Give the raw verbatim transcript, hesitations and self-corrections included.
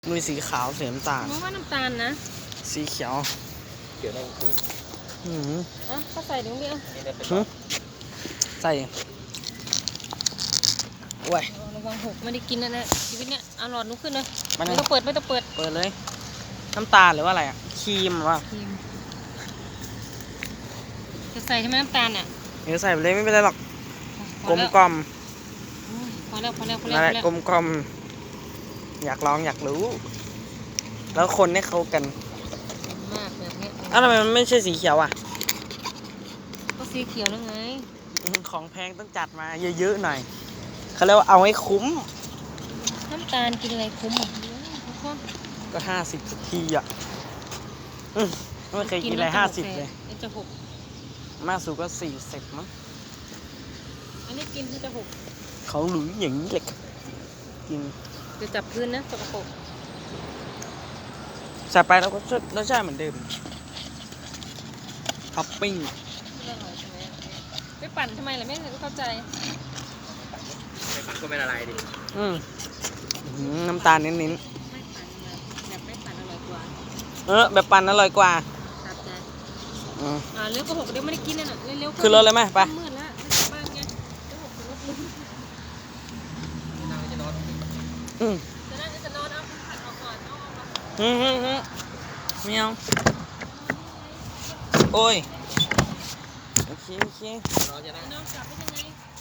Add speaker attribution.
Speaker 1: มีสีขาวสีน้ำตาล
Speaker 2: มองว่าน้ำตาลนะ
Speaker 1: สีเขียว
Speaker 3: เขียวได้คือ
Speaker 1: อืม
Speaker 2: อ่ะก็ใส่ตรงนี้
Speaker 1: อ่ะใส่โอ้ย
Speaker 2: ระวังหกไม่ได้กินนะนะชีวิตเนี้ยเอาหลอดนุ้ขึ้นเลย
Speaker 1: มัน
Speaker 2: ไม่ต้องเปิดไม่ต้องเปิด
Speaker 1: เปิดเลยน้ำตาลหรือว่าอะไรอ่ะครีมหรือว่า
Speaker 2: ครีมจะใส่ใช่ไหมน้ำตาลอ่ะ
Speaker 1: เดี๋ยวใส่ไปเลยไม่เป็นไรหรอกกลมกล่อม
Speaker 2: พอแล้วพอแล้วพอแล้ว
Speaker 1: นั่นแหละกลมกล่อมอยากลองอยากรู้แล้วคนให้เขากัน
Speaker 2: มากแบบนี้
Speaker 1: อ้าวทำไมมันไม่ใช่สีเขียวอ่ะ
Speaker 2: ก็สีเขียวแล้วไง
Speaker 1: ของแพงต้องจัดมาเยอะๆหน่อยเขาเรียกว่าเอาให้คุ้ม
Speaker 2: น้ำตาลกินอะไรคุ้มอ่ะ
Speaker 1: ก็ห้าสิบทีอ่ะไม่เคยกินอะไรห้าสิบเลย
Speaker 2: จะหก
Speaker 1: มากสุดก็สี่สิบมั้ง
Speaker 2: อันนี้กินที่จะหก
Speaker 1: เขาหลุยอย่างนี้เลยกิน
Speaker 2: จะจับพื้นนะสกปรก
Speaker 1: ใส่ไปแล้วก็รสชาติเหมือนเดิมท็อปปิ้ง
Speaker 2: ไปปั่นทำไมล่ะไม่เข้าใจ
Speaker 3: ไปปั่นก็ไม่ละลายดิ
Speaker 1: อืมน้ำตาลเน้นๆ
Speaker 2: ไม่ปั่นแบบไม่ปั่นอร่อยกว่า
Speaker 1: เออแบบปั่นอร่อยกว่า
Speaker 2: ตัดใจ
Speaker 1: อืม
Speaker 2: อ่าเร็วก็หกเดี๋ยวไม่ได้กินน่ะเร็วๆ
Speaker 1: คือรถเลยไหมไป
Speaker 2: มืดแล้วไม่กลับบ้านไงเดี๋ยวหกรถลุก
Speaker 3: นางจะนอน
Speaker 1: อืม
Speaker 2: จะนั่งจะนอนเอาผัดออกก่อนเอาออกมา
Speaker 1: อืมอืมอืมเมียวโอ้ยโอเคโอเคน
Speaker 3: อนจะนั่ง
Speaker 2: นอนกลับไปยังไง